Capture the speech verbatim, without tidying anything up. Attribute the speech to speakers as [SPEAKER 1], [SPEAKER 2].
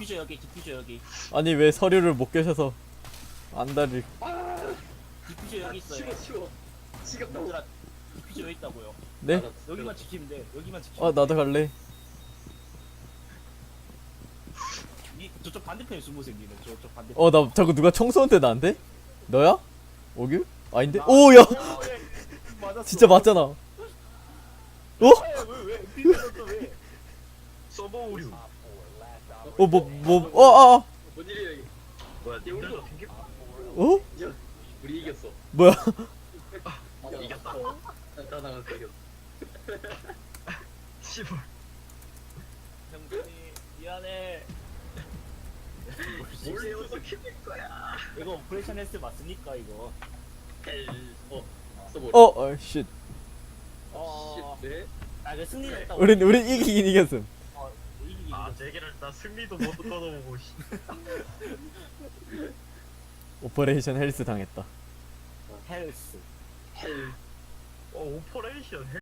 [SPEAKER 1] 디퓨저 여기, 디퓨저 여기.
[SPEAKER 2] 아니 왜 서류를 못 깨셔서 안달을.
[SPEAKER 3] 아,
[SPEAKER 1] 디퓨저 여기 있어요.
[SPEAKER 3] 치워 치워. 지겹다고.
[SPEAKER 1] 얘들아, 디퓨저 여기 있다고요.
[SPEAKER 2] 네?
[SPEAKER 3] 알았어,
[SPEAKER 1] 여기만
[SPEAKER 3] 알았어.
[SPEAKER 1] 지키면 돼. 여기만 지키면
[SPEAKER 2] 아 나도 갈래.
[SPEAKER 1] 이, 저쪽 반대편에 숨으세요, 니는. 저쪽 반대편.
[SPEAKER 2] 어 나 자꾸 누가 총 쏘는데 나한테? 너야? 오규? 아닌데?
[SPEAKER 1] 나-
[SPEAKER 2] 오야
[SPEAKER 1] 어, 예. 맞았어.
[SPEAKER 2] 진짜 맞잖아. 어?
[SPEAKER 1] 왜, 왜, 왜? 디퓨저 왜?
[SPEAKER 4] 서버 오류.
[SPEAKER 2] 어 뭐 뭐 어 아.
[SPEAKER 3] 뭔 일이야 이게?
[SPEAKER 4] 뭐야,
[SPEAKER 3] 야, 우리
[SPEAKER 4] 님들도 튕겨?
[SPEAKER 2] 어?
[SPEAKER 3] 야, 우리 이겼어.
[SPEAKER 2] 뭐야?
[SPEAKER 4] 이겼다.
[SPEAKER 3] 나 나갔어 이겼어.
[SPEAKER 4] 씨발.
[SPEAKER 1] 형준이, 미안해.
[SPEAKER 3] 원래 어떻게 될 거야?
[SPEAKER 1] 이거 오퍼레이션 헬스 맞습니까, 이거?
[SPEAKER 3] 헬. 어. 써보.
[SPEAKER 2] 어, 어, 쉿.
[SPEAKER 1] 어,
[SPEAKER 3] 씨, 네.
[SPEAKER 1] 아, 그 승리했다.
[SPEAKER 2] 우린 우린 이기긴 이겼음.
[SPEAKER 1] 어, 이기기.
[SPEAKER 4] 아, 제기를 나 승리도 못 얻어보고 씨.
[SPEAKER 2] 오퍼레이션 헬스 당했다.
[SPEAKER 1] 헬스.
[SPEAKER 3] 헬.
[SPEAKER 4] 어, 오퍼레이션 헬